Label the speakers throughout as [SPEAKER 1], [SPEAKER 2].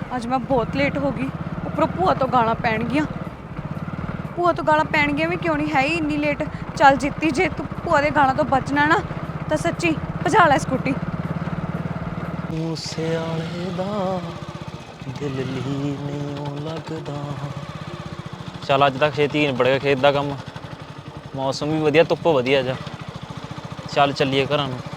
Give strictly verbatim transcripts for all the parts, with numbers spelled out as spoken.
[SPEAKER 1] ਅੱਜ ਮੈਂ ਬਹੁਤ ਲੇਟ ਹੋ ਗਈ। ਉੱਪਰੋਂ ਭੂਆ ਤੋਂ ਗਾਲਾਂ ਪੈਣਗੀਆਂ। ਭੂਆ ਤੋਂ ਗਾਲਾਂ ਪੈਣਗੀਆਂ ਵੀ ਕਿਉਂ ਨਹੀਂ, ਹੈ ਹੀ ਇੰਨੀ ਲੇਟ। ਚੱਲ ਜਿੱਤੀ, ਜੇ ਤੂੰ ਭੂਆ ਦੇ ਗਾਲਾਂ ਤੋਂ ਬਚਣਾ ਨਾ ਤਾਂ ਸੱਚੀ ਭਜਾ ਲੈ ਸਕੂਟੀ।
[SPEAKER 2] ਮੂਸੇ ਵਾਲੇ ਦਾ ਦਿਲ ਲਈ ਨਹੀਂ ਲੱਗਦਾ। ਚੱਲ ਅੱਜ ਤੱਕ ਛੇਤੀ ਨਿਬੜ ਗਿਆ ਖੇਤ ਦਾ ਕੰਮ। ਮੌਸਮ ਵੀ ਵਧੀਆ, ਧੁੱਪ ਵਧੀਆ ਜਾ। ਚੱਲ ਚੱਲੀਏ ਘਰਾਂ ਨੂੰ।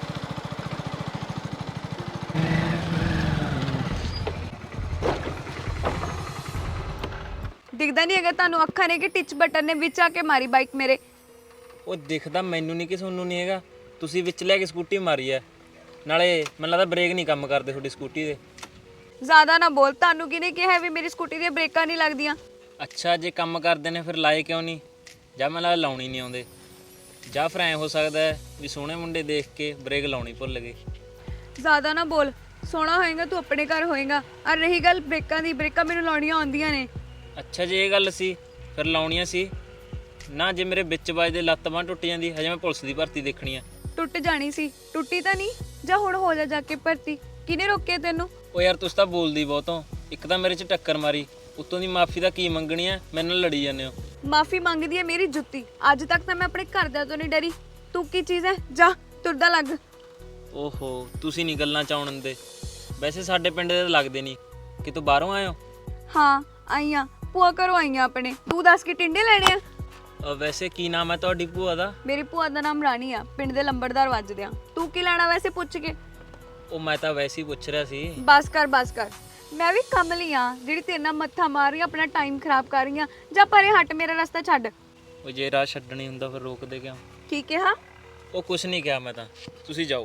[SPEAKER 1] ਦਿਖਦਾ ਨਹੀਂ ਹੈਗਾ ਤੁਹਾਨੂੰ ਅੱਖਾਂ ਨੇ ਕਿ ਟਿਚ ਬਟਨ ਨੇ ਵਿੱਚ ਆ ਕੇ ਮਾਰੀ ਬਾਈਕ ਮੇਰੇ।
[SPEAKER 2] ਉਹ ਦਿਖਦਾ ਮੈਨੂੰ ਨਹੀਂ ਕਿ ਤੁਹਾਨੂੰ ਨਹੀਂ ਹੈਗਾ। ਤੁਸੀਂ ਵਿੱਚ ਲੈ ਕੇ ਸਕੂਟੀ ਮਾਰੀ ਐ, ਨਾਲੇ ਮੈਨੂੰ ਲੱਗਦਾ ਬ੍ਰੇਕ ਨਹੀਂ ਕੰਮ ਕਰਦੇ ਤੁਹਾਡੀ ਸਕੂਟੀ ਦੇ।
[SPEAKER 1] ਜ਼ਿਆਦਾ ਨਾ ਬੋਲ, ਤੁਹਾਨੂੰ ਕਿਹਨੇ ਕਿਹਾ ਵੀ ਮੇਰੀ ਸਕੂਟੀ ਦੀਆਂ ਬ੍ਰੇਕਾਂ ਨਹੀਂ ਲੱਗਦੀਆਂ?
[SPEAKER 2] ਅੱਛਾ, ਜੇ ਕੰਮ ਕਰਦੇ ਨੇ ਫਿਰ ਲਾਏ ਕਿਉਂ ਨਹੀਂ? ਜਾਂ ਮੈਨੂੰ ਲੱਗਦਾ ਲਾਉਣੀ ਨਹੀਂ ਆਉਂਦੇ, ਜਾਂ ਫਿਰ ਐਂ ਹੋ ਸਕਦਾ ਹੈ ਵੀ ਸੋਹਣੇ ਮੁੰਡੇ ਦੇਖ ਕੇ ਬ੍ਰੇਕ ਲਾਉਣੀ ਭੁੱਲ ਗਏ।
[SPEAKER 1] ਜ਼ਿਆਦਾ ਨਾ ਬੋਲ, ਸੋਹਣਾ ਹੋਏਗਾ ਤੂੰ ਆਪਣੇ ਘਰ ਹੋਏਗਾ। ਔਰ ਰਹੀ ਗੱਲ ਬ੍ਰੇਕਾਂ ਦੀ, ਬ੍ਰੇਕਾਂ ਮੈਨੂੰ ਲਾਉਣੀਆਂ ਆਉਂਦੀਆਂ ਨੇ।
[SPEAKER 2] ਅੱਛਾ, ਜੇ ਇਹ ਗੱਲ ਸੀ ਫਿਰ ਲਾਉਣੀਆਂ ਸੀ ਨਾ। ਜੇ ਮੇਰੇ ਵਿੱਚ ਵੱਜਦੇ ਲੱਤ ਬਾਂਹ ਟੁੱਟ ਜਾਂਦੀ, ਹਜੇ ਮੈਂ ਪੁਲਿਸ ਦੀ ਭਰਤੀ ਦੇਖਣੀ ਆ।
[SPEAKER 1] ਟੁੱਟ ਜਾਣੀ ਸੀ, ਟੁੱਟੀ ਤਾਂ ਨਹੀਂ। ਜਾਂ ਹੁਣ ਹੋ ਜਾ ਜਾ ਕੇ ਭਰਤੀ। ਕਿਹਨੇ ਰੋਕਿਆ ਤੈਨੂੰ?
[SPEAKER 2] ਉਹ ਯਾਰ ਤੁਸੀਂ ਤਾਂ ਬੋਲਦੀ ਬਹੁਤੋਂ। ਇੱਕ ਤਾਂ ਮੇਰੇ 'ਚ ਟੱਕਰ ਮਾਰੀ, ਉੱਤੋਂ ਦੀ ਮਾਫੀ ਦਾ ਕੀ ਮੰਗਣੀ ਆ, ਮੇਰੇ ਨਾਲ ਲੜੀ ਜਾਂਦੇ ਹੋ।
[SPEAKER 1] ਮਾਫੀ ਮੰਗਦੀ ਹੈ ਮੇਰੀ ਜੁੱਤੀ। ਅੱਜ ਤੱਕ ਤਾਂ ਮੈਂ ਆਪਣੇ ਘਰਦਿਆਂ ਤੋਂ ਨਹੀਂ ਡਰੀ। ਤੂੰ ਕੀ ਚੀਜ਼ ਹੈ? ਜਾ ਤੁਰਦਾ ਲੱਗ।
[SPEAKER 2] ਓਹੋ, ਤੁਸੀਂ ਨਹੀਂ ਗੱਲਾਂ ਚ ਆਉਣ ਦਿੰਦੇ। ਵੈਸੇ ਸਾਡੇ ਪਿੰਡ ਦੇ ਤਾਂ ਲੱਗਦੇ ਨਹੀਂ ਕਿ ਤੂੰ ਬਾਹਰੋਂ ਆਏ ਹੋ।
[SPEAKER 1] ਹਾਂ ਆਈਆਂ, ਭੂਆ ਘਰੋਂ ਆਈਆਂ ਆਪਣੇ। ਤੂੰ ਦੱਸ ਕੇ ਟਿੰਡੇ ਲੈਣੇ ਆ?
[SPEAKER 2] ਵੈਸੇ ਕੀ ਨਾਮ ਹੈ ਤੁਹਾਡੀ ਭੂਆ ਦਾ?
[SPEAKER 1] ਮੇਰੀ ਭੂਆ ਦਾ ਨਾਮ ਰਾਣੀ ਆ, ਪਿੰਡ ਦੇ ਲੰਬੜਦਾਰ ਵੱਜਦੇ ਆ। ਤੂੰ ਕੀ ਲੈਣਾ ਵੈਸੇ ਪੁੱਛ ਕੇ?
[SPEAKER 2] ਉਹ ਮੈਂ ਤਾਂ ਵੈਸੇ ਹੀ ਪੁੱਛ ਰਿਹਾ ਸੀ।
[SPEAKER 1] ਬਸ ਕਰ ਬਸ ਕਰ, ਮੈਂ ਵੀ ਕਮਲੀ ਆ ਜਿਹੜੀ ਤੇਰੇ ਨਾਲ ਮੱਥਾ ਮਾਰ ਰਹੀ ਆ, ਆਪਣਾ ਟਾਈਮ ਖਰਾਬ ਕਰ ਰਹੀ ਆ। ਜਾਂ ਪਰੇ ਹਟ, ਮੇਰਾ ਰਸਤਾ ਛੱਡ।
[SPEAKER 2] ਉਹ ਜੇ ਰਾਹ ਛੱਡਣੀ ਹੁੰਦਾ ਫਿਰ ਰੋਕਦੇ ਕਿਉਂ?
[SPEAKER 1] ਕੀ ਕਿਹਾ?
[SPEAKER 2] ਉਹ ਕੁਛ ਨਹੀਂ ਕਿਹਾ ਮੈਂ ਤਾਂ, ਤੁਸੀਂ ਜਾਓ।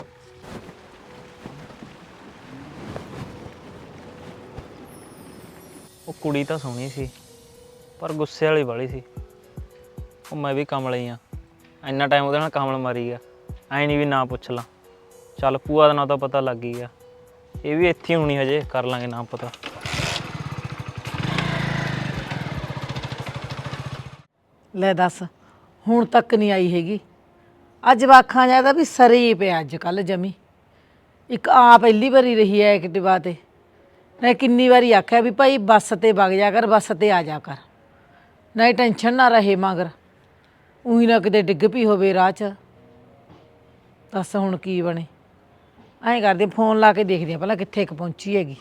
[SPEAKER 2] ਉਹ ਕੁੜੀ ਤਾਂ ਸੋਹਣੀ ਸੀ ਪਰ ਗੁੱਸੇ ਵਾਲੀ ਵਾਲੀ ਸੀ। ਉਹ ਮੈਂ ਵੀ ਕਮਲ ਹੀ ਆ, ਇੰਨਾ ਟਾਈਮ ਉਹਦੇ ਨਾਲ ਕਮਲ ਮਾਰੀ ਗਿਆ। ਐਂ ਨਹੀਂ ਵੀ ਨਾ ਪੁੱਛ ਲਾਂ। ਚੱਲ ਭੂਆ ਦਾ ਨਾਂ ਤਾਂ ਪਤਾ ਲੱਗ ਹੀ ਗਿਆ, ਇਹ ਵੀ ਇੱਥੇ ਹੋਣੀ, ਹਜੇ ਕਰ ਲਾਂਗੇ ਨਾ ਪਤਾ।
[SPEAKER 3] ਲੈ ਦੱਸ, ਹੁਣ ਤੱਕ ਨਹੀਂ ਆਈ ਹੈਗੀ। ਅੱਜ ਵਾਖਾਂ ਜਿਆਦਾ ਵੀ ਸਰੀ ਪਿਆ ਅੱਜ ਕੱਲ੍ਹ ਜਮੀ। ਇੱਕ ਆ ਪਹਿਲੀ ਵਾਰੀ ਰਹੀ ਹੈ ਐਕਟਿਵਾ ਤੇ। ਮੈਂ ਕਿੰਨੀ ਵਾਰੀ ਆਖਿਆ ਵੀ ਭਾਈ ਬੱਸ ਤੇ ਵਗ ਜਾ ਕਰ, ਬੱਸ ਤੇ ਆ ਜਾ ਕਰ, ਨਹੀਂ ਟੈਨਸ਼ਨ ਨਾ ਰਹੇ ਮਗਰ। ਉਹੀ ਨਾ ਕਿਤੇ ਡਿੱਗ ਪਈ ਹੋਵੇ ਰਾਹ 'ਚ। ਦੱਸ ਹੁਣ ਕੀ ਬਣੇ। ਐਂ ਕਰਦੇ ਫੋਨ ਲਾ ਕੇ ਦੇਖਦੇ ਆ ਪਹਿਲਾਂ ਕਿੱਥੇ ਕੁ ਪਹੁੰਚੀ ਹੈਗੀ।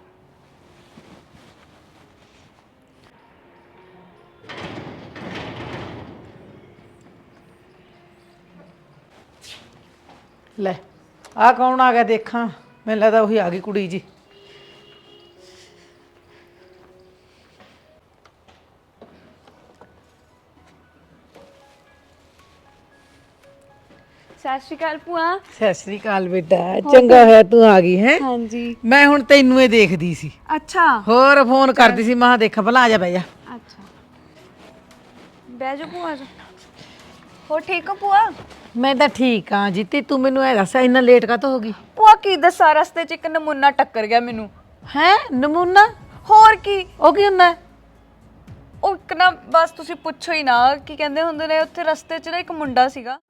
[SPEAKER 3] ਲੈ ਆਹ ਕੌਣ ਆ ਗਿਆ ਦੇਖਾਂ। ਮੈਨੂੰ ਲੱਗਦਾ ਉਹੀ ਆ ਗਈ ਕੁੜੀ ਜੀ।
[SPEAKER 1] ਸਤਿ ਸ਼੍ਰੀ ਅਕਾਲ ਭੂਆ।
[SPEAKER 3] ਸਤਿ ਸ੍ਰੀ ਅਕਾਲ ਬੇਟਾ, ਚੰਗਾ ਹੋਇਆ ਤੂੰ ਆ ਗਈ ਹੈ।
[SPEAKER 1] ਹਾਂਜੀ।
[SPEAKER 3] ਮੈਂ ਹੁਣ ਤੈਨੂੰ ਇਹ ਦੇਖਦੀ ਸੀ।
[SPEAKER 1] ਅੱਛਾ।
[SPEAKER 3] ਹੋਰ ਫੋਨ ਕਰਦੀ ਸੀ, ਮੈਂ ਦੇਖਾਂ ਭਲਾ। ਆ ਜਾ ਬਹਿ ਜਾ।
[SPEAKER 1] ਅੱਛਾ ਬਹਿ ਜਾ ਭੂਆ ਜੀ। ਹੋ ਠੀਕ ਹੋ ਭੂਆ?
[SPEAKER 3] ਮੈਂ ਤਾਂ ਠੀਕ ਹਾਂ ਜੀਤੀ, ਤੂੰ ਮੈਨੂੰ ਇਹ ਦੱਸ ਇੰਨਾ ਲੇਟ ਕਾਹਤੋਂ ਹੋ ਗਈ?
[SPEAKER 1] ਭੂਆ ਕੀ ਦੱਸਾਂ, ਰਸਤੇ 'ਚ ਇੱਕ ਨਮੂਨਾ ਟੱਕਰ ਗਿਆ ਮੈਨੂੰ।
[SPEAKER 3] ਹੈ ਨਮੂਨਾ?
[SPEAKER 1] ਹੋਰ ਕੀ।
[SPEAKER 3] ਉਹ ਕੀ ਹੁੰਦਾ?
[SPEAKER 1] ਉਹ ਇੱਕ ਨਾ, ਬਸ ਤੁਸੀਂ ਪੁੱਛੋ ਹੀ ਨਾ। ਕੀ ਕਹਿੰਦੇ ਹੁੰਦੇ ਨੇ, ਉੱਥੇ ਰਸਤੇ 'ਚ ਨਾ ਇੱਕ ਮੁੰਡਾ ਸੀਗਾ।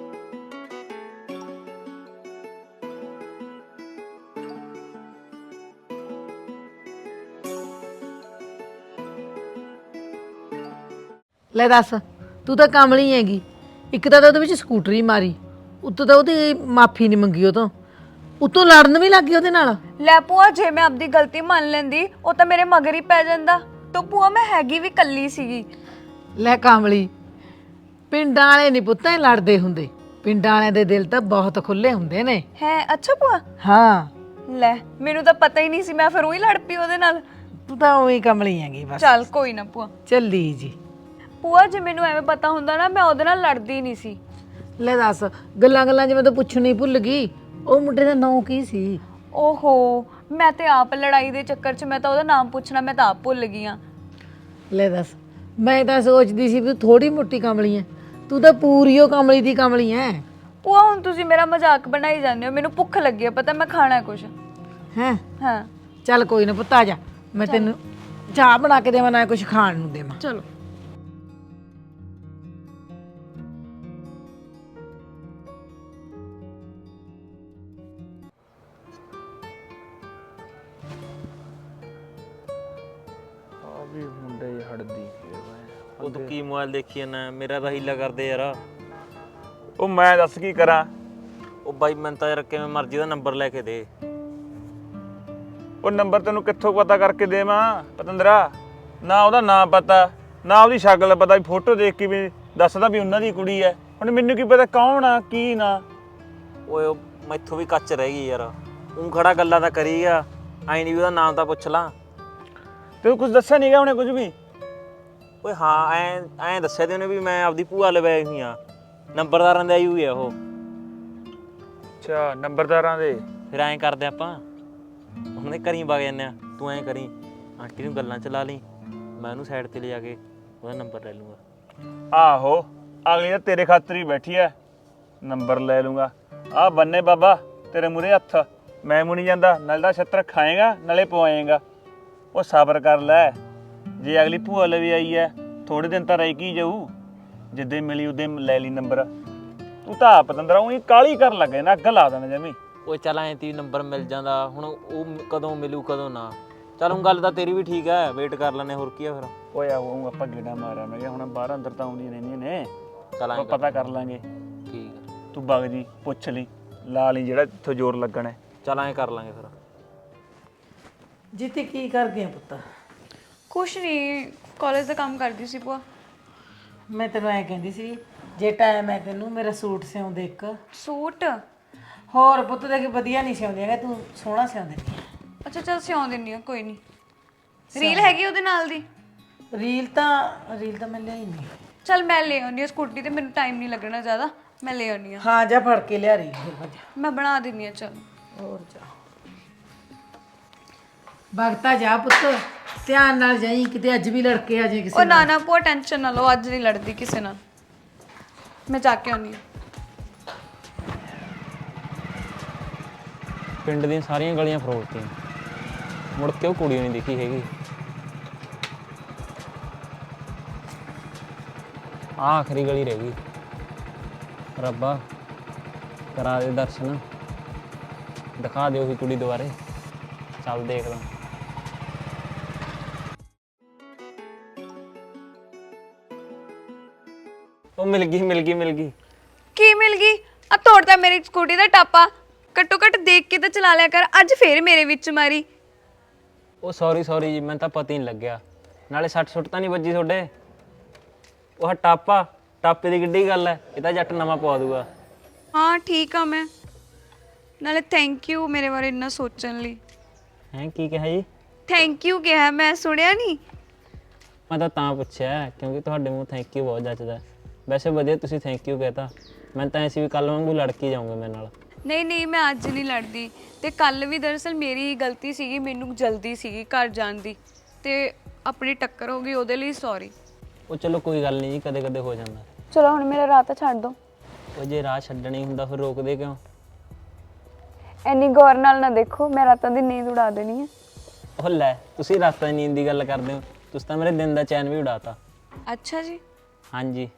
[SPEAKER 3] ਲੈ ਦੱਸ, ਤੂੰ ਤਾਂ ਕਾਮਲੀ ਹੈਗੀ। ਇੱਕ ਤਾਂ ਉਹਦੇ ਵਿੱਚ ਸਕੂਟਰੀ ਮਾਰੀ, ਉੱਤੋਂ ਤਾਂ ਉਹਦੀ ਮਾਫੀ ਨਹੀਂ ਮੰਗੀ, ਉਹ ਤੋਂ ਉੱਤੋਂ ਲੜਨ ਵੀ ਲੱਗ ਗਈ ਉਹਦੇ ਨਾਲ।
[SPEAKER 1] ਲੈ ਭੂਆ, ਜੇ ਮੈਂ ਆਪਦੀ ਗਲਤੀ ਮੰਨ ਲੈਂਦੀ ਉਹ ਤਾਂ ਮੇਰੇ ਮਗਰ ਹੀ ਪੈ ਜਾਂਦਾ। ਤਾਂ ਭੂਆ ਮੈਂ ਹੈਗੀ ਵੀ ਕੱਲੀ ਸੀਗੀ।
[SPEAKER 3] ਲੈ ਕਾਮਲੀ, ਪਿੰਡਾਂ ਵਾਲੇ ਨਹੀਂ ਪੁੱਤਾਂ ਲੜਦੇ ਹੁੰਦੇ। ਪਿੰਡਾਂ ਵਾਲਿਆਂ ਦੇ ਦਿਲ ਤਾਂ ਬਹੁਤ ਖੁੱਲੇ ਹੁੰਦੇ ਨੇ।
[SPEAKER 1] ਹੈ? ਅੱਛਾ ਭੂਆ।
[SPEAKER 3] ਹਾਂ।
[SPEAKER 1] ਲੈ ਮੈਨੂੰ ਤਾਂ ਪਤਾ ਹੀ ਨਹੀਂ ਸੀ, ਮੈਂ ਫਿਰ ਉਹੀ ਲੜ ਪਈ ਉਹਦੇ ਨਾਲ।
[SPEAKER 3] ਤੂੰ ਤਾਂ ਉਹੀ ਕਮਲੀ ਹੈਗੀ ਬਸ।
[SPEAKER 1] ਚੱਲ ਕੋਈ ਨਾ ਭੂਆ।
[SPEAKER 3] ਚੱਲੀ ਜੀ।
[SPEAKER 1] ਭੂਆ ਜੇ ਮੈਨੂੰ ਐਵੇਂ ਪਤਾ ਹੁੰਦਾ ਨਾ, ਮੈਂ ਉਹਦੇ ਨਾਲ ਲੜਦੀ ਨਹੀਂ ਸੀ।
[SPEAKER 3] ਲੈ ਦੱਸ, ਗੱਲਾਂ ਗੱਲਾਂ ਜਿਵੇਂ ਤਾਂ ਪੁੱਛਣੀ ਭੁੱਲ ਗਈ। ਉਹ ਮੁੰਡੇ ਦਾ ਨਾਂ ਕੀ ਸੀ?
[SPEAKER 1] ਓਹੋ, ਮੈਂ ਤੇ ਆਪ ਲੜਾਈ ਦੇ ਚੱਕਰ 'ਚ ਮੈਂ ਤਾਂ ਉਹਦਾ ਨਾਮ ਪੁੱਛਣਾ ਮੈਂ ਤਾਂ ਆਪ ਭੁੱਲ ਗਈ ਆ।
[SPEAKER 3] ਲੈ ਦੱਸ, ਮੈਂ ਤਾਂ ਸੋਚਦੀ ਸੀ ਵੀ ਥੋੜੀ ਮੋਟੀ ਕਮਲੀ ਐ, ਤੂੰ ਤਾਂ ਪੂਰੀ ਉਹ ਕਮਲੀ ਦੀ ਕਮਲੀ ਐ।
[SPEAKER 1] ਭੂਆ ਹੁਣ ਤੁਸੀਂ ਮੇਰਾ ਮਜ਼ਾਕ ਬਣਾਈ ਜਾਂਦੇ ਹੋ। ਮੈਨੂੰ ਭੁੱਖ ਲੱਗੀ ਹੈ, ਪਤਾ ਮੈਂ ਖਾਣਾ ਕੁਛ।
[SPEAKER 3] ਹੈ?
[SPEAKER 1] ਹਾਂ
[SPEAKER 3] ਚੱਲ ਕੋਈ ਨਾ ਪੁੱਤ, ਆ ਜਾ, ਮੈਂ ਤੈਨੂੰ ਚਾਹ ਬਣਾ ਕੇ ਦੇਵਾਂ ਨਾ ਕੁਛ ਖਾਣ ਨੂੰ ਦੇਵਾਂ।
[SPEAKER 1] ਚਲੋ।
[SPEAKER 4] ਇਹ ਮੁੰਡੇ ਜਿਹੇ ਹਟਦੀ
[SPEAKER 2] ਉਹ ਤੂੰ ਕੀ ਮੋਬਾਈਲ ਦੇਖੀ ਜਾਂਦਾ? ਮੇਰਾ ਤਾਂ ਹੀਲਾ ਕਰਦੇ ਯਾਰ।
[SPEAKER 4] ਉਹ ਮੈਂ ਦੱਸ ਕੀ ਕਰਾਂ?
[SPEAKER 2] ਉਹ ਬਾਈ ਮੈਂ ਤਾਂ ਯਾਰ ਕਿਵੇਂ ਮਰਜ਼ੀ ਦਾ ਨੰਬਰ ਲੈ ਕੇ ਦੇ।
[SPEAKER 4] ਉਹ ਨੰਬਰ ਤੈਨੂੰ ਕਿੱਥੋਂ ਪਤਾ ਕਰਕੇ ਦੇਵਾਂ ਪਤੰਦਰਾ? ਨਾ ਉਹਦਾ ਨਾਮ ਪਤਾ, ਨਾ ਉਹਦੀ ਸ਼ਕਲ ਪਤਾ, ਵੀ ਫੋਟੋ ਦੇਖ ਕੇ ਵੀ ਦੱਸਦਾ ਵੀ ਉਹਨਾਂ ਦੀ ਕੁੜੀ ਐ। ਹੁਣ ਮੈਨੂੰ ਕੀ ਪਤਾ ਕੌਣ ਆ ਕੀ ਨਾ।
[SPEAKER 2] ਓਏ ਉਹ ਮੈਥੋਂ ਵੀ ਕੱਚ ਰਹਿ ਗਈ ਯਾਰ। ਉਹ ਖੜਾ ਗੱਲਾਂ ਤਾਂ ਕਰੀ ਆ, ਐਂ ਨਹੀਂ ਵੀ ਉਹਦਾ ਨਾਮ ਤਾਂ ਪੁੱਛ ਲਾਂ।
[SPEAKER 4] ਤੈਨੂੰ ਕੁਝ ਦੱਸਿਆ ਨਹੀਂਗਾ ਉਹਨੇ ਕੁਝ ਵੀ?
[SPEAKER 2] ਓਏ ਹਾਂ, ਐਂ ਐਂ ਦੱਸਿਆ ਤੇ ਉਹਨੇ ਵੀ ਮੈਂ ਆਪਦੀ ਭੂਆ ਲਵਾਈ ਹੋਈ ਆ, ਨੰਬਰਦਾਰਾਂ ਦੇ ਆਈ ਹੋਈ ਆ ਉਹ।
[SPEAKER 4] ਅੱਛਾ, ਨੰਬਰਦਾਰਾਂ ਦੇ।
[SPEAKER 2] ਫਿਰ ਐਂ ਕਰਦੇ ਆਪਾਂ, ਉਹਨਾਂ ਦੇ ਘਰੀਂ ਵਗ ਜਾਂਦੇ ਆ। ਤੂੰ ਐਂ ਕਰੀ, ਆਂਟੀ ਨੂੰ ਗੱਲਾਂ ਚ ਲਾ ਲਈ, ਮੈਂ ਉਹਨੂੰ ਸਾਈਡ ਤੇ ਲਿਜਾ ਕੇ ਉਹਦਾ ਨੰਬਰ ਲੈ ਲੂੰਗਾ।
[SPEAKER 4] ਆਹੋ, ਅਗਲੀ ਤਾਂ ਤੇਰੇ ਖਾਤਰ ਹੀ ਬੈਠੀ ਐ, ਨੰਬਰ ਲੈ ਲੂੰਗਾ। ਆਹ ਬੰਨੇ ਬਾਬਾ ਤੇਰੇ ਮੂਹਰੇ ਹੱਥ, ਮੈਂ ਮੁਣੀ ਜਾਂਦਾ। ਨਾਲੇ ਦਾ ਛੱਤਰ ਖਾਏਗਾ ਨਾਲੇ ਪਵਾਏਗਾ। ਉਹ ਸਬਰ ਕਰ ਲੈ, ਜੇ ਅਗਲੀ ਭੂਆ ਲਵੇ ਆਈ ਐ ਥੋੜੇ ਦਿਨ ਤਾਂ ਰਹਿ ਕੀ ਜਾਊ। ਜਿੱਦੇ ਮਿਲੀ ਉਹਦੇ ਲੈ ਲਈ ਨੰਬਰ। ਤੂੰ ਤਾਂ ਆਪ ਪਤੰਦਰਾ ਉਹੀ ਕਾਲੀ ਕਰਨ ਲੱਗ ਨਾ, ਅੱਗ ਲਾ ਦੇਣਾ ਜਮੀ।
[SPEAKER 2] ਓਏ ਚੱਲ ਐਂ ਤੀ ਨੰਬਰ ਮਿਲ ਜਾਂਦਾ, ਹੁਣ ਉਹ ਕਦੋਂ ਮਿਲੂ ਕਦੋਂ ਨਾ। ਚੱਲ ਹੁਣ ਗੱਲ ਤਾਂ ਤੇਰੀ ਵੀ ਠੀਕ ਐ, ਵੇਟ ਕਰ ਲੈਨੇ, ਹੋਰ ਕੀ ਆ ਫਿਰ।
[SPEAKER 4] ਓਏ ਆਊਂ ਆਪਾਂ ਗੇੜਾ ਮਾਰਿਆ ਮੈਂ ਕਿਹਾ ਹੁਣ ਬਾਹਰ ਅੰਦਰ ਤਾਂ ਆਉਂਦੀਆਂ ਰਹਿੰਦੀਆਂ ਨੇ,
[SPEAKER 2] ਚੱਲ ਐਂ
[SPEAKER 4] ਆਪਾਂ ਪਤਾ ਕਰ ਲਾਂਗੇ।
[SPEAKER 2] ਠੀਕ ਆ,
[SPEAKER 4] ਤੂੰ ਬਗ ਜੀ ਪੁੱਛ ਲਈ, ਲਾ ਲਈ ਜਿਹੜਾ ਇੱਥੋਂ ਜ਼ੋਰ ਲੱਗਣਾ।
[SPEAKER 2] ਚੱਲ ਐਂ ਕਰ ਲਾਂਗੇ ਫਿਰ।
[SPEAKER 3] ਜਿੱਤੇ ਕੀ ਕਰ ਗਿਆ ਪੁੱਤ?
[SPEAKER 1] ਕੁਛ ਨਹੀਂ, ਕਾਲਜ ਦਾ ਕੰਮ ਕਰਦੀ ਸੀ ਭੂਆ।
[SPEAKER 3] ਮੈਂ ਤੈਨੂੰ ਐ ਕਹਿੰਦੀ ਸੀ, ਜੇ ਟਾਈਮ ਹੈ ਤੈਨੂੰ ਮੇਰਾ ਸੂਟ ਸਿਉਂਦੇ ਇੱਕ।
[SPEAKER 1] ਸੂਟ?
[SPEAKER 3] ਹੋਰ ਪੁੱਤ ਦੇ ਵਧੀਆ ਨਹੀਂ ਸਿਉਂਦੀ ਹੈਗਾ, ਤੂੰ ਸੋਹਣਾ ਸਿਉਂਦੇ ਨਹੀਂ।
[SPEAKER 1] ਅੱਛਾ ਚੱਲ ਸਿਉਂ ਦਿੰਨੀ ਆ, ਕੋਈ ਨਹੀਂ। ਰੀਲ ਹੈਗੀ ਉਹਦੇ ਨਾਲ ਦੀ?
[SPEAKER 3] ਰੀਲ ਤਾਂ ਰੀਲ ਤਾਂ ਮੈਂ ਲਿਆਈ ਨਹੀਂ।
[SPEAKER 1] ਚੱਲ ਮੈਂ ਲੈ ਆਉਂਦੀ ਆ ਸਕੂਟੀ ਤੇ, ਮੈਨੂੰ ਟਾਈਮ ਨਹੀਂ ਲੱਗਣਾ ਜ਼ਿਆਦਾ, ਮੈਂ ਲੈ ਆਉਂਦੀ ਆ।
[SPEAKER 3] ਹਾਂ ਜਾ ਫੜ ਕੇ ਲਿਆ ਰਹੀ ਫਿਰ ਭੱਜ।
[SPEAKER 1] ਮੈਂ ਬਣਾ ਦਿੰਨੀ ਆ। ਚੱਲ
[SPEAKER 3] ਹੋਰ ਜਾ ਭਗਤਾ ਜਾ ਪੁੱਤ, ਧਿਆਨ ਨਾਲ ਜਾਈ, ਕਿਤੇ ਅੱਜ ਵੀ ਲੜਕੇ ਆ ਜਾਏ ਕਿਸੇ
[SPEAKER 1] ਉਹ ਨਾ ਨਾ ਭੂਆ ਟੈਨਸ਼ਨ ਨਾ ਲਓ, ਅੱਜ ਨਹੀਂ ਲੜਦੀ ਕਿਸੇ ਨਾਲ, ਮੈਂ ਜਾ ਕੇ ਆਉਂਦੀ ਆ।
[SPEAKER 2] ਪਿੰਡ ਦੀਆਂ ਸਾਰੀਆਂ ਗਲੀਆਂ ਫਰੋਲਤੀਆਂ, ਮੁੜ ਕੇ ਉਹ ਕੁੜੀ ਨਹੀਂ ਦਿਖੀ ਹੈਗੀ। ਆਹ ਆਖਰੀ ਗਲੀ ਰਹਿ ਗਈ। ਰੱਬਾ ਕਰਾ ਦੇ ਦਰਸ਼ਨ, ਦਿਖਾ ਦੇ ਉਹੀ ਕੁੜੀ ਦੁਬਾਰੇ। ਚੱਲ ਦੇਖਦਾ। ਉਹ ਮਿਲ ਗਈ ਮਿਲ ਗਈ ਮਿਲ ਗਈ।
[SPEAKER 1] ਕੀ ਮਿਲ ਗਈ? ਆ ਤੋੜਦਾ ਮੇਰੀ ਸਕੂਟੀ ਦਾ ਟਾਪਾ। ਘੱਟੋ ਘੱਟ ਦੇਖ ਕੇ ਤਾਂ ਚਲਾ ਲਿਆ ਕਰ, ਅੱਜ ਫੇਰ ਮੇਰੇ ਵਿੱਚ ਮਾਰੀ।
[SPEAKER 2] ਉਹ ਸੌਰੀ ਸੌਰੀ ਜੀ, ਮੈਨੂੰ ਤਾਂ ਪਤਾ ਹੀ ਨਹੀਂ ਲੱਗਿਆ। ਨਾਲੇ ਸੱਟ ਸੁੱਟ ਤਾਂ ਨਹੀਂ ਵੱਜੀ ਤੁਹਾਡੇ? ਉਹ ਟਾਪਾ, ਟਾਪੇ ਦੀ ਕਿੱਡੀ ਗੱਲ ਹੈ, ਇਹ ਤਾਂ ਜੱਟ ਨਵਾਂ ਪਵਾ ਦੂਗਾ।
[SPEAKER 1] ਹਾਂ ਠੀਕ ਆ ਮੈਂ। ਨਾਲੇ ਥੈਂਕ ਯੂ ਮੇਰੇ ਬਾਰੇ ਇੰਨਾ ਸੋਚਣ ਲਈ।
[SPEAKER 2] ਹੈਂ ਕੀ ਕਿਹਾ ਜੀ?
[SPEAKER 1] ਥੈਂਕ ਯੂ ਕਿਹਾ, ਮੈਂ ਸੁਣਿਆ ਨਹੀਂ।
[SPEAKER 2] ਮੈਂ ਤਾਂ ਤਾਂ ਪੁੱਛਿਆ ਕਿਉਂਕਿ ਤੁਹਾਡੇ ਮੂੰਹ ਥੈਂਕ ਯੂ ਬਹੁਤ ਜੱਚਦਾ। ਵੈਸੇ ਵਧੀਆ ਤੁਸੀਂ ਥੈਂਕ ਯੂ ਕਹਿਤਾ। ਮੈਂ ਤਾਂ ਐਸੀ ਵੀ ਕੱਲ ਵਾਂਗੂ ਲੜ ਕੇ ਜਾਊਂਗਾ ਮੇਰੇ ਨਾਲ।
[SPEAKER 1] ਨਹੀਂ ਨਹੀਂ, ਮੈਂ ਅੱਜ ਨਹੀਂ ਲੜਦੀ। ਤੇ ਕੱਲ ਵੀ ਦਰਅਸਲ ਮੇਰੀ ਹੀ ਗਲਤੀ ਸੀਗੀ, ਮੈਨੂੰ ਜਲਦੀ ਸੀਗੀ ਘਰ ਜਾਣ ਦੀ, ਤੇ ਆਪਣੀ ਟੱਕਰ ਹੋ ਗਈ, ਉਹਦੇ ਲਈ ਸੌਰੀ।
[SPEAKER 2] ਉਹ ਚਲੋ ਕੋਈ ਗੱਲ ਨਹੀਂ ਜੀ, ਕਦੇ ਕਦੇ ਹੋ ਜਾਂਦਾ।
[SPEAKER 1] ਚਲੋ ਹੁਣ ਮੇਰਾ ਰਾਹ ਤਾਂ ਛੱਡ ਦੋ।
[SPEAKER 2] ਉਹ ਜੇ ਰਾਹ ਛੱਡਣੀ ਹੁੰਦਾ ਫਿਰ ਰੋਕਦੇ ਕਿਉਂ?
[SPEAKER 1] ਐਨੀ ਗੌਰ ਨਾਲ ਨਾ ਦੇਖੋ, ਮੈਂ ਰਾਤਾਂ ਦੀ ਨੀਂਦ ਉਡਾ ਦੇਣੀ ਹੈ।
[SPEAKER 2] ਉਹ ਲੈ, ਤੁਸੀਂ ਰਾਤਾਂ ਦੀ ਨੀਂਦ ਦੀ ਗੱਲ ਕਰਦੇ ਹੋ, ਤੁਸੀਂ ਤਾਂ ਮੇਰੇ ਦਿਨ ਦਾ ਚੈਨ ਵੀ ਉਡਾਤਾ।
[SPEAKER 1] ਅੱਛਾ ਜੀ।
[SPEAKER 2] ਹਾਂਜੀ।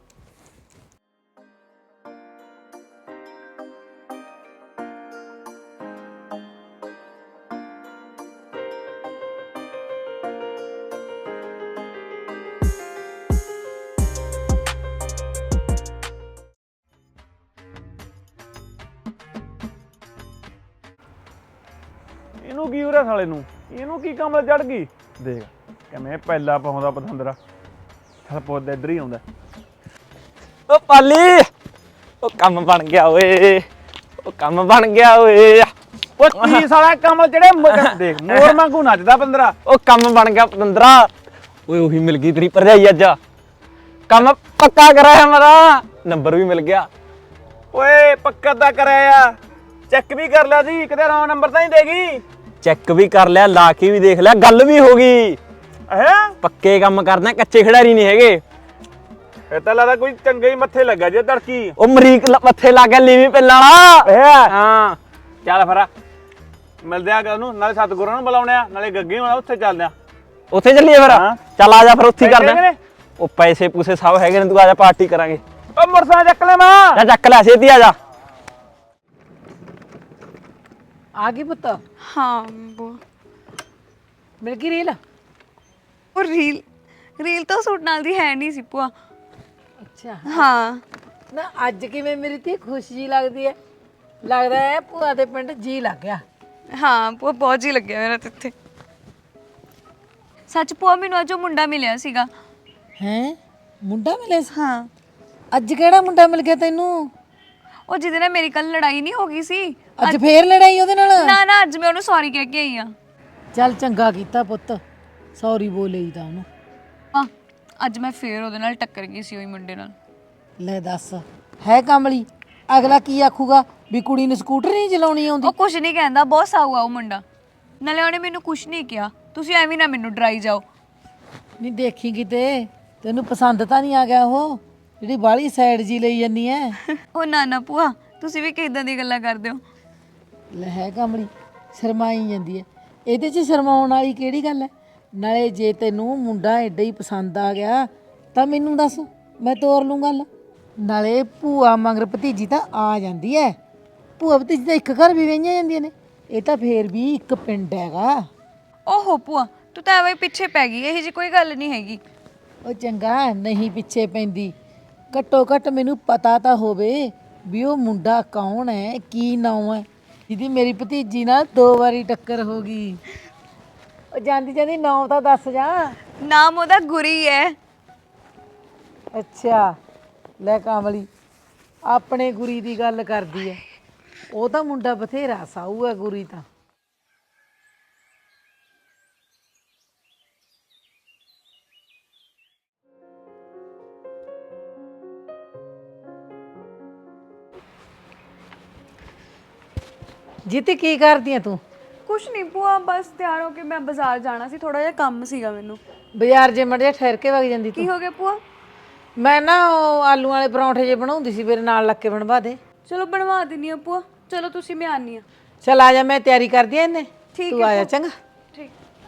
[SPEAKER 4] ਇਹਨੂੰ ਕੀ ਹੋ ਰਿਹਾ ਸਾਲੇ ਨੂੰ? ਇਹਨੂੰ ਕੀ ਕਮਲ ਚੜ ਗਈ? ਦੇਖ ਕਿਵੇਂ ਪਹਿਲਾ ਪਾਉਂਦਾ ਪਤੰਦਰਾ। ਚੱਲ ਪੁੱਤ ਇੱਧਰ ਹੀ ਆਉਂਦਾ।
[SPEAKER 2] ਉਹ ਪਾਲੀ, ਉਹ ਕੰਮ ਬਣ ਗਿਆ ਓਏ, ਉਹ ਕੰਮ ਬਣ ਗਿਆ ਓਏ।
[SPEAKER 4] ਉਹ ਕੀ ਸਾਲਾ ਕਮਲ ਚੜੇ? ਦੇਖ ਮੋਰ ਵਾਂਗੂ ਨੱਚਦਾ ਪੰਦਰਾ।
[SPEAKER 2] ਉਹ ਕੰਮ ਬਣ ਗਿਆ ਪਤੰਦਰਾ। ਓਏ ਉਹੀ ਮਿਲ ਗਈ ਤੇਰੀ ਭਰਜਾਈ ਅੱਜ। ਕੰਮ ਪੱਕਾ ਕਰਾਇਆ ਮੇਰਾ, ਨੰਬਰ ਵੀ ਮਿਲ ਗਿਆ।
[SPEAKER 4] ਓਏ ਪੱਕਾ ਤਾਂ ਕਰਾਇਆ, ਚੈੱਕ ਵੀ ਕਰ ਲਿਆ ਸੀ, ਕਿਤੇ ਰੌਂਗ ਨੰਬਰ ਤਾਂ ਨਹੀਂ ਦੇਗੀ।
[SPEAKER 2] ਚੈੱਕ ਵੀ ਕਰ ਲਿਆ, ਲਾ ਕੇ ਵੀ ਦੇਖ ਲਿਆ, ਗੱਲ ਵੀ ਹੋ ਗਈ।
[SPEAKER 4] ਹੈ
[SPEAKER 2] ਪੱਕੇ ਕੰਮ ਕਰਨਾ, ਕੱਚੇ ਖਿਡਾਰੀ ਨਹੀਂ ਹੈਗੇ।
[SPEAKER 4] ਇਹ ਤਾਂ ਲੱਗਦਾ ਕੋਈ ਚੰਗਾ ਹੀ ਮੱਥੇ ਲੱਗਾ ਜੇ ਤੜਕੀ।
[SPEAKER 2] ਉਹ ਮਰੀਕ ਲ- ਮੱਥੇ ਲਾ ਕੇ ਲੀਵੀਂ ਪਿੱਲਾਂ ਵਾਲਾ। ਹਾਂ
[SPEAKER 4] ਚੱਲ ਫਿਰ ਮਿਲਦੇ ਆ ਉਹਨੂੰ, ਨਾਲੇ ਸਤਿਗੁਰਾਂ ਨੂੰ ਬੁਲਾਉਣੇ ਆ, ਨਾਲੇ ਗੱਗੇ ਹੋਣਾ, ਉੱਥੇ ਚੱਲਦੇ ਆ।
[SPEAKER 2] ਉੱਥੇ ਚੱਲੀਏ ਫਿਰ?
[SPEAKER 4] ਹਾਂ।
[SPEAKER 2] ਚੱਲ ਆ ਜਾ ਫਿਰ, ਉੱਥੇ ਹੀ
[SPEAKER 4] ਪੈਸੇ
[SPEAKER 2] ਕਰਦੇ
[SPEAKER 4] ਹੈਗੇ
[SPEAKER 2] ਆ।
[SPEAKER 4] ਨੇ?
[SPEAKER 2] ਉਹ ਪੈਸੇ ਪੂਸੇ ਸਭ ਹੈਗੇ ਨੇ, ਤੂੰ ਆ ਜਾ ਪਾਰਟੀ ਕਰਾਂਗੇ।
[SPEAKER 4] ਓ ਮਰਸਾ ਚੱਕ ਲੈ ਮਾਂ।
[SPEAKER 2] ਜਾ ਚੱਕ ਲੈ, ਛੇਤੀ ਆ ਜਾ।
[SPEAKER 3] ਆ ਗਈ ਪੁੱਤ?
[SPEAKER 1] ਹਾਂ ਬੋ
[SPEAKER 3] ਮਿਲ ਗਈ ਰੀਲ?
[SPEAKER 1] ਉਹ ਰੀਲ ਰੀਲ ਤਾਂ ਸੂਟ ਨਾਲ ਦੀ ਹੈ ਨਹੀਂ ਸੀ ਭੂਆ।
[SPEAKER 3] ਅੱਛਾ
[SPEAKER 1] ਹਾਂ
[SPEAKER 3] ਨਾ ਅੱਜ ਕਿਵੇਂ ਮੇਰੀ ਧੀ ਖੁਸ਼ ਜੀ ਲੱਗਦੀ ਹੈ। ਲੱਗਦਾ ਹੈ ਭੂਆ ਦੇ ਪਿੰਡ ਜੀ ਲੱਗ ਗਿਆ।
[SPEAKER 1] ਹਾਂ ਭੂਆ ਬਹੁਤ ਜੀ ਲੱਗਿਆ ਮੇਰਾ ਤਾਂ ਇੱਥੇ। ਸੱਚ ਭੂਆ ਮੈਨੂੰ ਅੱਜ ਉਹ ਮੁੰਡਾ ਮਿਲਿਆ ਸੀਗਾ।
[SPEAKER 3] ਹੈਂ ਮੁੰਡਾ ਮਿਲਿਆ ਸੀ?
[SPEAKER 1] ਹਾਂ
[SPEAKER 3] ਅੱਜ ਕਿਹੜਾ ਮੁੰਡਾ ਮਿਲ ਗਿਆ ਤੈਨੂੰ?
[SPEAKER 1] ਉਹ ਜਿਹਦੇ ਨਾਲ ਮੇਰੀ ਕੱਲ ਲੜਾਈ ਨਹੀਂ ਹੋ ਗਈ ਸੀ।
[SPEAKER 3] ਅੱਜ ਫੇਰ ਲੜਾਈ ਉਹਦੇ ਨਾਲ?
[SPEAKER 1] ਨਾ ਨਾ ਅੱਜ ਮੈਂ ਉਹਨੂੰ ਸੌਰੀ ਕਹਿ ਕੇ ਆਈ ਆ।
[SPEAKER 3] ਚੱਲ ਚੰਗਾ ਕੀਤਾ ਪੁੱਤ, ਸੌਰੀ ਬੋਲੇ ਤਾਂ ਉਹਨੂੰ।
[SPEAKER 1] ਹਾਂ ਅੱਜ ਮੈਂ ਫੇਰ ਉਹਦੇ ਨਾਲ ਟੱਕਰ ਗਈ ਸੀ ਉਹੀ ਮੁੰਡੇ ਨਾਲ।
[SPEAKER 3] ਲੈ ਦੱਸ, ਹੈ ਕਮਲੀ। ਅਗਲਾ ਕੀ ਆਖੂਗਾ ਵੀ ਕੁੜੀ ਨੂੰ ਸਕੂਟਰ ਨਹੀਂ ਚਲਾਉਣੀ ਆਉਂਦੀ?
[SPEAKER 1] ਉਹ ਕੁਝ ਨਹੀਂ ਕਹਿੰਦਾ, ਬਹੁਤ ਸਾਊ ਆ ਉਹ ਮੁੰਡਾ। ਨਾਲੇ ਉਹਨੇ ਮੈਨੂੰ ਕੁਝ ਨਹੀਂ ਕਿਹਾ। ਤੁਸੀਂ ਐਵੇਂ ਨਾ ਮੈਨੂੰ ਡਰਾਈ ਜਾਓ।
[SPEAKER 3] ਨਹੀਂ ਦੇਖੀ ਕਿਤੇ ਤੈਨੂੰ ਪਸੰਦ ਤਾਂ ਨਹੀਂ ਆ ਗਿਆ ਉਹ ਜਿਹੜੀ ਬਾਹਲੀ ਸਾਈਡ ਜੀ ਲਈ ਜੰਨੀ ਐ?
[SPEAKER 1] ਉਹ ਨਾ ਨਾ ਭੂਆ, ਤੁਸੀਂ ਵੀ ਕਿਦਾਂ ਦੀ ਗੱਲਾਂ ਕਰਦੇ ਹੋ।
[SPEAKER 3] ਲੈ ਹੈ ਕਮਲੀ, ਸ਼ਰਮਾਈ ਜਾਂਦੀ ਐ। ਇਹਦੇ 'ਚ ਸ਼ਰਮਾਉਣ ਵਾਲੀ ਕਿਹੜੀ ਗੱਲ ਐ? ਨਾਲੇ ਜੇ ਤੈਨੂੰ ਮੁੰਡਾ ਐਡਾ ਹੀ ਪਸੰਦ ਆ ਗਿਆ ਤਾਂ ਮੈਨੂੰ ਦੱਸ, ਮੈਂ ਤੋਰ ਲੂੰ ਗੱਲ। ਨਾਲੇ ਭੂਆ ਮਗਰ ਭਤੀਜੀ ਤਾਂ ਆ ਜਾਂਦੀ ਐ। ਭੂਆ ਭਤੀਜੀ ਤਾਂ ਇੱਕ ਘਰ ਵੀ ਵਹੀਆਂ ਜਾਂਦੀਆਂ ਨੇ। ਇਹ ਤਾਂ ਫੇਰ ਵੀ ਇੱਕ ਪਿੰਡ ਹੈਗਾ।
[SPEAKER 1] ਓਹੋ ਭੂਆ, ਤੂੰ ਤਾਂ ਐਵੇਂ ਪਿੱਛੇ ਪੈ ਗਈ। ਇਹੋ ਜਿਹੀ ਕੋਈ ਗੱਲ ਨਹੀਂ ਹੈਗੀ।
[SPEAKER 3] ਉਹ ਚੰਗਾ ਨਹੀਂ ਪਿੱਛੇ ਪੈਂਦੀ, ਘੱਟੋ ਘੱਟ ਮੈਨੂੰ ਪਤਾ ਤਾਂ ਹੋਵੇ ਵੀ ਉਹ ਮੁੰਡਾ ਕੌਣ ਹੈ, ਕੀ ਨਾਮ ਹੈ ਜਿਹਦੀ ਮੇਰੀ ਭਤੀਜੀ ਨਾਲ ਦੋ ਵਾਰੀ ਟੱਕਰ ਹੋ ਗਈ। ਉਹ ਜਾਂਦੀ ਜਾਂਦੀ ਨਾਮ ਤਾਂ ਦੱਸ ਜਾ।
[SPEAKER 1] ਨਾਮ ਉਹਦਾ ਗੁਰੀ ਹੈ।
[SPEAKER 3] ਅੱਛਾ ਲੈ ਕਾਮਲੀ, ਆਪਣੇ ਗੁਰੀ ਦੀ ਗੱਲ ਕਰਦੀ ਐ। ਉਹ ਤਾਂ ਮੁੰਡਾ ਬਥੇਰਾ ਸਾਊ ਹੈ ਗੁਰੀ ਤਾਂ। ਜੀਤੀ ਕੀ ਕਰਦੀ ਐ ਤੂੰ?
[SPEAKER 1] ਕੁਛ ਨਹੀਂ ਭੂਆ, ਬਸ ਤਿਆਰ ਹੋ ਕੇ ਮੈਂ ਬਾਜ਼ਾਰ ਜਾਣਾ ਸੀ। ਥੋੜਾ ਜਿਹਾ ਕੰਮ ਸੀਗਾ ਮੈਨੂੰ।
[SPEAKER 3] ਬਾਜ਼ਾਰ ਜੇ ਮੜ ਜਾ ਠਹਿਰ ਕੇ ਵਗ ਜਾਂਦੀ
[SPEAKER 1] ਕੀ
[SPEAKER 3] ਤੂੰ।
[SPEAKER 1] ਹੋ ਗਿਆ ਭੂਆ?
[SPEAKER 3] ਮੈਂ ਨਾ ਉਹ ਆਲੂ ਵਾਲੇ ਪਰੌਂਠੇ ਜੇ ਬਣਾਉਂਦੀ ਸੀ, ਮੇਰੇ ਨਾਲ ਲੱਗ ਕੇ ਬਣਵਾ ਦੇ।
[SPEAKER 1] ਚਲੋ ਬਣਵਾ ਦਿੰਨੀ ਆ ਭੂਆ। ਚਲੋ ਤੁਸੀਂ, ਮੈਂ ਆਨੀ ਆ।
[SPEAKER 3] ਚਲ ਆ ਜਾ, ਮੈਂ ਤਿਆਰੀ ਕਰਦੀ ਐ ਇਹਨੇ।
[SPEAKER 1] ਠੀਕ
[SPEAKER 3] ਤੂੰ
[SPEAKER 1] ਹੈ
[SPEAKER 3] ਆ ਜਾ
[SPEAKER 1] ਭੂਆ।
[SPEAKER 3] ਚੰਗਾ।
[SPEAKER 1] ਠੀਕ।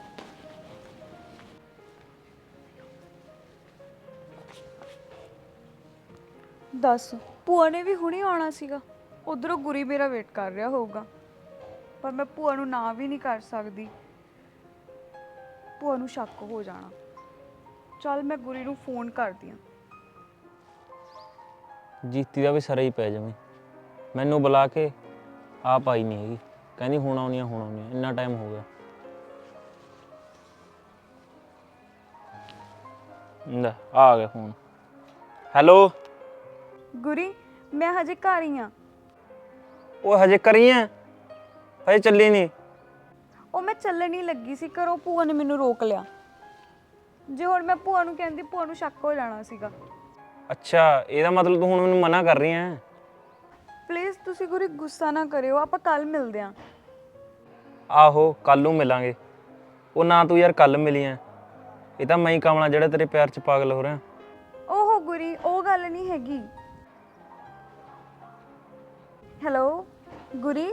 [SPEAKER 1] ਦੱਸ, ਭੂਆ ਨੇ ਵੀ ਹੁਣੇ ਆਉਣਾ ਸੀਗਾ। ਉਧਰੋਂ ਗੁਰੀ ਮੇਰਾ ਵੇਟ ਕਰ ਰਿਹਾ ਹੋਊਗਾ, ਪਰ ਮੈਂ ਭੂਆ ਨੂੰ ਨਾ ਵੀ ਨਹੀਂ ਕਰ ਸਕਦੀ। ਭੂਆ ਨੂੰ ਸ਼ੱਕ ਹੋ ਜਾਣਾ। ਚੱਲ ਮੈਂ ਗੁਰੀ ਨੂੰ ਫੋਨ ਕਰਦੀ ਆ।
[SPEAKER 2] ਜੀਤੀ ਦਾ ਵੀ ਸਰਾ ਹੀ ਪੈ ਜਾਵੇ। ਮੈਨੂੰ ਬੁਲਾ ਕੇ ਆਪ ਆਈ ਨਹੀਂ ਹੈਗੀ, ਕਹਿੰਦੀ ਹੁਣ ਆਉਣੀ ਆ ਹੁਣ ਆਉਣੀ ਆ। ਇੰਨਾ ਟਾਈਮ ਹੋ ਗਿਆ। ਲੈ ਆ ਗਿਆ ਫੋਨ। ਹੈਲੋ
[SPEAKER 1] ਗੁਰੀ, ਮੈਂ ਹਜੇ ਘਰ ਹੀ ਆ।
[SPEAKER 2] ਉਹ ਹਜੇ ਕਰੀ ਐ? ਹਜੇ ਚੱਲੀ ਨਹੀਂ?
[SPEAKER 1] ਉਹ ਮੈਂ ਚੱਲਣ ਹੀ ਲੱਗੀ ਸੀ, ਘਰੋਂ ਭੂਆ ਨੇ ਮੈਨੂੰ ਰੋਕ ਲਿਆ। ਜੇ ਹੁਣ ਮੈਂ ਭੂਆ ਨੂੰ ਕਹਿੰਦੀ, ਭੂਆ ਨੂੰ ਸ਼ੱਕ ਹੋ ਜਾਣਾ ਸੀਗਾ।
[SPEAKER 2] ਅੱਛਾ, ਇਹਦਾ ਮਤਲਬ ਤੂੰ ਹੁਣ ਮੈਨੂੰ ਮਨਾ ਕਰ ਰਹੀ ਐ?
[SPEAKER 1] ਪਲੀਜ਼ ਤੁਸੀਂ ਗੁਰੀ ਗੁੱਸਾ ਨਾ ਕਰਿਓ, ਆਪਾਂ ਕੱਲ ਮਿਲਦੇ ਆਂ।
[SPEAKER 2] ਆਹੋ ਕੱਲ ਨੂੰ ਮਿਲਾਂਗੇ। ਉਹ ਨਾ ਤੂੰ ਯਾਰ ਕੱਲ ਮਿਲੀ ਐ, ਇਹ ਤਾਂ ਮੈਂ ਹੀ ਕਮਲਾ ਜਿਹੜਾ ਤੇਰੇ ਪਿਆਰ 'ਚ ਪਾਗਲ ਹੋ ਰਿਹਾ।
[SPEAKER 1] ਓਹੋ ਗੁਰੀ, ਉਹ ਗੱਲ ਨਹੀਂ ਹੈਗੀ। ਹੈਲੋ ਗੁਰੀ।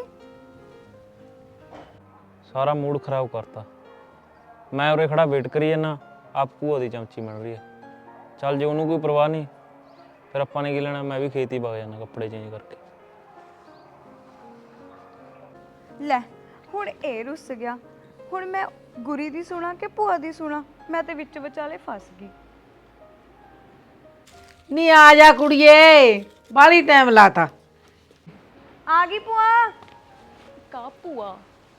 [SPEAKER 2] ਸਾਰਾ ਮੂਡ ਖਰਾਬ ਕਰਤਾ। ਮੈਂ ਉਰੇ ਖੜਾ ਵੇਟ ਕਰੀ ਜਾਂਦਾ, ਆਪ ਭੂਆ ਦੀ ਚਮਚੀ ਮਿਲ ਰਹੀ ਹੈ। ਚੱਲ ਜੇ ਉਹਨੂੰ ਕੋਈ ਪਰਵਾਹ ਨਹੀਂ, ਫਿਰ ਆਪਾਂ ਨੇ ਕੀ ਲੈਣਾ। ਮੈਂ ਵੀ ਖੇਤ ਹੀ ਵਗ ਜਾਣਾ ਕੱਪੜੇ ਚੇਂਜ ਕਰਕੇ।
[SPEAKER 1] ਲੈ ਹੁਣ ਇਹ ਰੁੱਸ ਗਿਆ। ਹੁਣ ਮੈਂ ਗੁਰੀ ਦੀ ਸੁਣਾ ਕਿ ਭੂਆ ਦੀ ਸੁਣਾ? ਮੈਂ ਤੇ ਵਿੱਚ ਵਿਚਾਲੇ ਫਸ ਗਈ।
[SPEAKER 3] ਨੀ ਆ ਜਾ ਕੁੜੀਏ, ਬਾਹਲੀ ਟਾਈਮ ਲਾਤਾ।
[SPEAKER 1] ਆ ਗਈ ਭੂਆ। ਕਾ ਭੂਆ?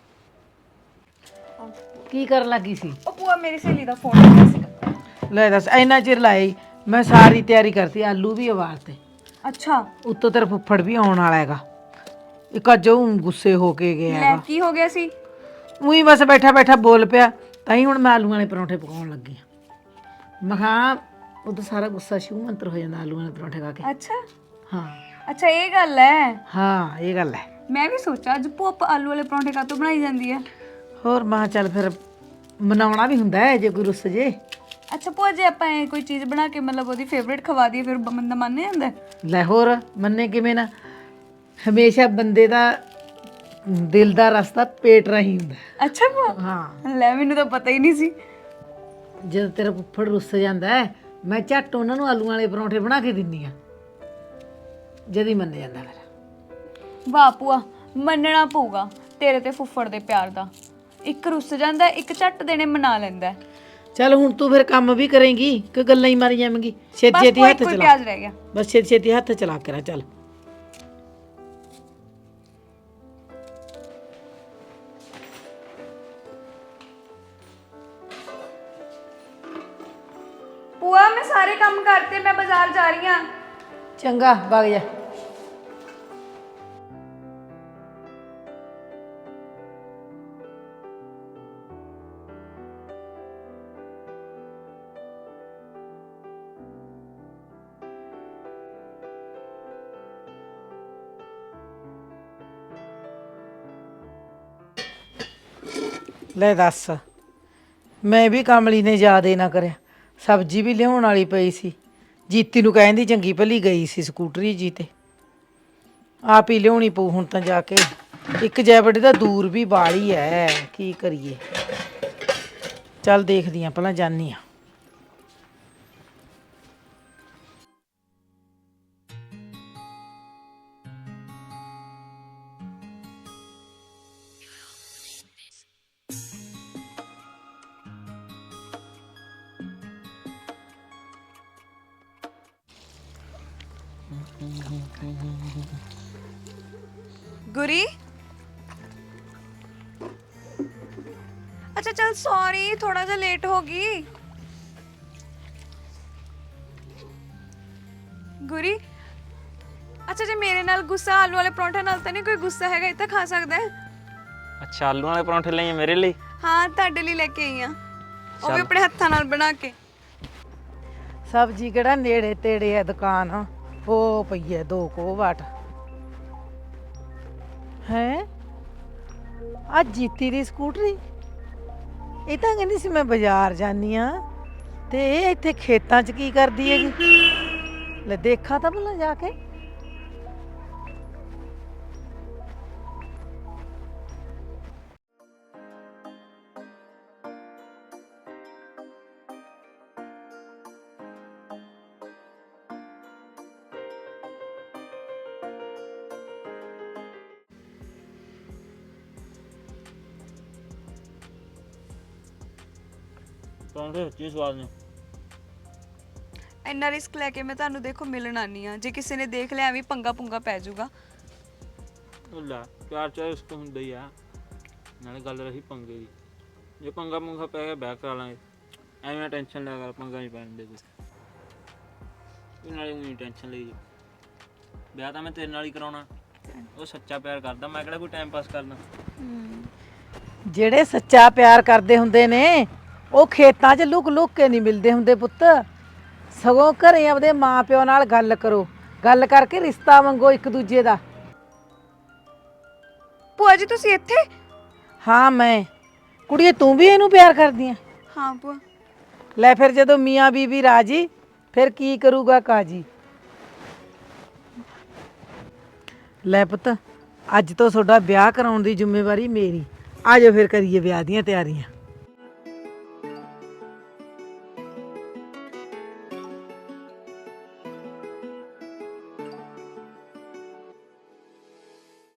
[SPEAKER 3] ਕੀ ਕਰਨ ਲੱਗੀ ਸੀ?
[SPEAKER 1] ਉਹ ਭੂਆ ਮੇਰੀ ਸਹੇਲੀ ਦਾ ਫੋਨ ਆਇਆ ਸੀਗਾ।
[SPEAKER 3] ਲੈ ਦੱਸ, ਇੰਨਾ ਚਿਰ ਲਾਈ ਮੈਂ ਸਾਰੀ ਤਿਆਰੀ ਕਰਤੀ। ਆਲੂ ਵੀ ਉਬਾਲਤੇ।
[SPEAKER 1] ਅੱਛਾ,
[SPEAKER 3] ਉੱਤੋਂ ਤੇਰਾ ਫੁੱਫੜ ਵੀ ਆਉਣ ਵਾਲਾ ਹੈਗਾ। ਇੱਕ ਅੱਜ ਉਹ ਗੁੱਸੇ ਹੋ ਕੇ ਗਿਆ
[SPEAKER 1] ਲੈ
[SPEAKER 3] ਹੈਗਾ।
[SPEAKER 1] ਕੀ ਹੋ ਗਿਆ ਸੀ?
[SPEAKER 3] ਉਹੀ ਬਸ ਬੈਠਾ ਬੈਠਾ ਬੋਲ ਪਿਆ। ਤਾਂ ਹੀ ਹੁਣ ਮੈਂ ਆਲੂਆਂ ਵਾਲੇ ਪਰੌਂਠੇ ਪਕਾਉਣ ਲੱਗੀ ਹਾਂ। ਮੈਂ ਕਿਹਾ ਉਦੋਂ ਸਾਰਾ ਗੁੱਸਾ ਸ਼ਿਵ ਮੰਤਰ ਹੋ ਜਾਂਦਾ ਆਲੂਆਂ ਵਾਲੇ ਪਰੌਂਠੇ ਖਾ ਕੇ।
[SPEAKER 1] ਅੱਛਾ
[SPEAKER 3] ਹਾਂ
[SPEAKER 1] ਅੱਛਾ, ਇਹ ਗੱਲ ਹੈ।
[SPEAKER 3] ਹਾਂ ਇਹ ਗੱਲ ਹੈ।
[SPEAKER 1] ਮੈਂ ਵੀ ਸੋਚਿਆ ਅੱਜ ਭੂਆ ਆਲੂ ਵਾਲੇ ਪਰੌਂਠੇ ਕਾਹਤੋਂ ਬਣਾਈ ਜਾਂਦੀ ਹੈ।
[SPEAKER 3] ਹੋਰ ਮੈਂ ਕਿਹਾ ਚੱਲ ਫਿਰ ਮਨਾਉਣਾ ਵੀ ਹੁੰਦਾ ਹੈ ਜੇ ਕੋਈ ਰੁੱਸ ਜੇ।
[SPEAKER 1] ਅੱਛਾ ਭੂਆ, ਜੇ ਆਪਾਂ ਇਹ ਕੋਈ ਚੀਜ਼ ਬਣਾ ਕੇ ਮਤਲਬ ਉਹਦੀ ਫੇਵਰੇਟ ਖਵਾ ਦਈਏ, ਫਿਰ ਬੰਦਾ ਮੰਨ ਜਾਂਦਾ?
[SPEAKER 3] ਲੈ ਹੋਰ ਮੰਨੇ ਕਿਵੇਂ ਨਾ। ਹਮੇਸ਼ਾ ਬੰਦੇ ਦਾ ਦਿਲ ਦਾ ਰਸਤਾ ਪੇਟ ਰਾਹੀਂ ਹੁੰਦਾ।
[SPEAKER 1] ਅੱਛਾ ਭੂਆ,
[SPEAKER 3] ਹਾਂ
[SPEAKER 1] ਲੈ ਮੈਨੂੰ ਤਾਂ ਪਤਾ ਹੀ ਨਹੀਂ ਸੀ।
[SPEAKER 3] ਜਦੋਂ ਤੇਰਾ ਫੁੱਫੜ ਰੁੱਸ ਜਾਂਦਾ ਹੈ, ਮੈਂ ਝੱਟ ਉਹਨਾਂ ਨੂੰ ਆਲੂਆਂ ਵਾਲੇ ਪਰੌਂਠੇ ਬਣਾ ਕੇ ਦਿੰਦੀ ਆ। ਜਦ ਹੀ ਮੰਨ ਜਾਂਦਾ ਮੇਰਾ।
[SPEAKER 1] ਵਾਹ ਭੂਆ, ਮੰਨਣਾ ਪਊਗਾ ਤੇਰੇ ਤੇ ਫੁੱਫੜ ਦੇ ਪਿਆਰ ਦਾ। ਇੱਕ ਰੁੱਸ ਜਾਂਦਾ, ਇੱਕ ਝੱਟ ਦੇਣੇ ਮਨਾ ਲੈਂਦਾ।
[SPEAKER 3] ਚੱਲ ਹੁਣ ਤੂੰ ਫਿਰ ਕੰਮ ਵੀ ਕਰੇਂਗੀ ਕਿ ਗੱਲਾਂ ਹੀ ਮਾਰੀ ਜਾਵੇਂਗੀ? ਛੇਤੀ
[SPEAKER 1] ਬਸ
[SPEAKER 3] ਛੇਤੀ
[SPEAKER 1] ਕੋਈ
[SPEAKER 3] ਹੱਥ
[SPEAKER 1] ਕੋਈ
[SPEAKER 3] ਚਲਾ,
[SPEAKER 1] ਪਿਆਜ਼ ਰਹਿ ਗਿਆ।
[SPEAKER 3] ਬਸ ਛੇਤੀ ਛੇਤੀ ਹੱਥ ਚਲਾ ਕੇ ਰਾ ਚੱਲ।
[SPEAKER 1] ਭੂਆ ਮੈਂ ਸਾਰੇ ਕੰਮ ਕਰਤੇ, ਮੈਂ ਬਾਜ਼ਾਰ ਜਾ ਰਹੀ ਹਾਂ।
[SPEAKER 3] ਚੰਗਾ ਵਗ ਜਾ। ਲੈ ਦੱਸ, ਮੈਂ ਵੀ ਕਮਲੀ ਨੇ ਯਾਦ ਹੀ ਨਾ ਕਰਿਆ। ਸਬਜ਼ੀ ਵੀ ਲਿਆਉਣ ਵਾਲੀ ਪਈ ਸੀ, ਜੀਤੀ ਨੂੰ ਕਹਿੰਦੀ ਚੰਗੀ ਭਲੀ ਗਈ ਸੀ ਸਕੂਟਰੀ ਜੀ ਤੇ, ਆਪ ਹੀ ਲਿਆਉਣੀ ਪਊ ਹੁਣ ਤਾਂ ਜਾ ਕੇ। ਇੱਕ ਜੈਬੜੀ ਦਾ ਦੂਰ ਵੀ ਬਾਲੀ ਐ, ਕੀ ਕਰੀਏ। ਚੱਲ ਦੇਖਦੀ ਆਂ ਪਹਿਲਾਂ, ਜਾਨੀ ਆ।
[SPEAKER 1] ਗੁਰੀ, ਅੱਛਾ ਚਲ ਸੌਰੀ, ਥੋੜਾ ਜਿਹਾ ਲੇਟ ਹੋ ਗਈ। ਗੁਰੀ, ਅੱਛਾ ਜੇ ਮੇਰੇ ਨਾਲ ਗੁੱਸਾ, ਆਲੂ ਵਾਲੇ ਪਰੌਂਠੇ ਨਾਲ ਤਾਂ ਨਹੀਂ ਕੋਈ ਗੁੱਸਾ ਹੈਗਾ, ਇਹ ਤਾਂ ਖਾ ਸਕਦਾ ਹੈ।
[SPEAKER 2] ਅੱਛਾ ਆਲੂ ਵਾਲੇ ਪਰੌਂਠੇ ਲਈਏ ਮੇਰੇ ਲਈ?
[SPEAKER 1] ਹਾਂ ਤੁਹਾਡੇ ਲਈ ਲੈ ਕੇ ਆਈ ਆ, ਉਹ ਵੀ ਆਪਣੇ ਹੱਥਾਂ ਨਾਲ ਬਣਾ ਕੇ।
[SPEAKER 3] ਸਬਜ਼ੀ ਕਿਹੜਾ ਨੇੜੇ ਤੇੜੇ ਐ ਦੁਕਾਨ, ਉਹ ਪਈ ਐ ਦੋ ਕੋ ਵਾਟ। ਹੈ ਆ ਜੀਤੀ ਦੀ ਸਕੂਟਰੀ, ਇਹ ਤਾਂ ਕਹਿੰਦੀ ਸੀ ਮੈਂ ਬਾਜ਼ਾਰ ਜਾਨੀ ਆ, ਤੇ ਇਹ ਇੱਥੇ ਖੇਤਾਂ 'ਚ ਕੀ ਕਰਦੀ ਹੈਗੀ? ਲੈ ਦੇਖਾਂ ਤਾਂ ਭਲਾ ਜਾ ਕੇ।
[SPEAKER 2] ਪਰੌਂਠੇ ਸੱਚੀ ਸਵਾਦ ਨੇ।
[SPEAKER 1] ਇੰਨਾ ਰਿਸਕ ਲੈ ਕੇ ਮੈਂ ਤੁਹਾਨੂੰ ਦੇਖੋ ਮਿਲਣ ਆਨੀ ਆ, ਜੇ ਕਿਸੇ ਨੇ ਦੇਖ ਲਿਆ ਐਵੇਂ ਪੰਗਾ ਪੁੰਗਾ ਪੈ ਜਾਊਗਾ।
[SPEAKER 2] ਲੈ ਪਿਆਰ ਚਾਹ ਰਿਸਕ ਹੁੰਦਾ ਹੀ ਆ, ਨਾਲੇ ਗੱਲ ਰਹੀ ਪੰਗੇ ਦੀ, ਜੇ ਪੰਗਾ ਪੁੰਗਾ ਪੈ ਗਿਆ ਬੈਕ ਕਰਾ ਲਾਂਗੇ। ਐਵੇਂ ਟੈਨਸ਼ਨ ਲਿਆ ਕਰ, ਪੰਗਾ ਨਹੀਂ ਪੈਣ ਦੇ ਕੋਈ, ਨਾਲੇ ਉਹੀ ਟੈਨਸ਼ਨ ਲਈ। ਵਿਆਹ ਤਾਂ ਮੈਂ ਤੇਰੇ ਨਾਲ ਹੀ ਕਰਾਉਣਾ, ਉਹ ਸੱਚਾ ਪਿਆਰ ਕਰਦਾ, ਮੈਂ ਕਿਹੜਾ ਕੋਈ ਟਾਈਮ ਪਾਸ ਕਰਨਾ।
[SPEAKER 3] ਜਿਹੜੇ ਸੱਚਾ ਪਿਆਰ ਕਰਦੇ ਹੁੰਦੇ ਨੇ ਉਹ ਖੇਤਾਂ 'ਚ ਲੁਕ ਲੁਕ ਕੇ ਨਹੀਂ ਮਿਲਦੇ ਹੁੰਦੇ ਪੁੱਤ, ਸਗੋਂ ਘਰੇ ਆਪਦੇ ਮਾਂ ਪਿਓ ਨਾਲ ਗੱਲ ਕਰੋ, ਗੱਲ ਕਰਕੇ ਰਿਸ਼ਤਾ ਮੰਗੋ ਇੱਕ ਦੂਜੇ ਦਾ।
[SPEAKER 1] ਭੂਆ ਜੀ ਤੁਸੀਂ ਇੱਥੇ?
[SPEAKER 3] ਹਾਂ ਮੈਂ, ਕੁੜੀਏ ਤੂੰ ਵੀ ਇਹਨੂੰ ਪਿਆਰ ਕਰਦੀ ਆ?
[SPEAKER 1] ਹਾਂ ਭੂਆ।
[SPEAKER 3] ਲੈ ਫਿਰ ਜਦੋਂ ਮੀਆਂ ਬੀਬੀ ਰਾਜੀ, ਫਿਰ ਕੀ ਕਰੂਗਾ ਕਾਜੀ। ਲੈ ਪੁੱਤ, ਅੱਜ ਤੋਂ ਤੁਹਾਡਾ ਵਿਆਹ ਕਰਾਉਣ ਦੀ ਜ਼ਿੰਮੇਵਾਰੀ ਮੇਰੀ। ਆ ਜਾਓ ਫਿਰ ਕਰੀਏ ਵਿਆਹ ਦੀਆਂ ਤਿਆਰੀਆਂ।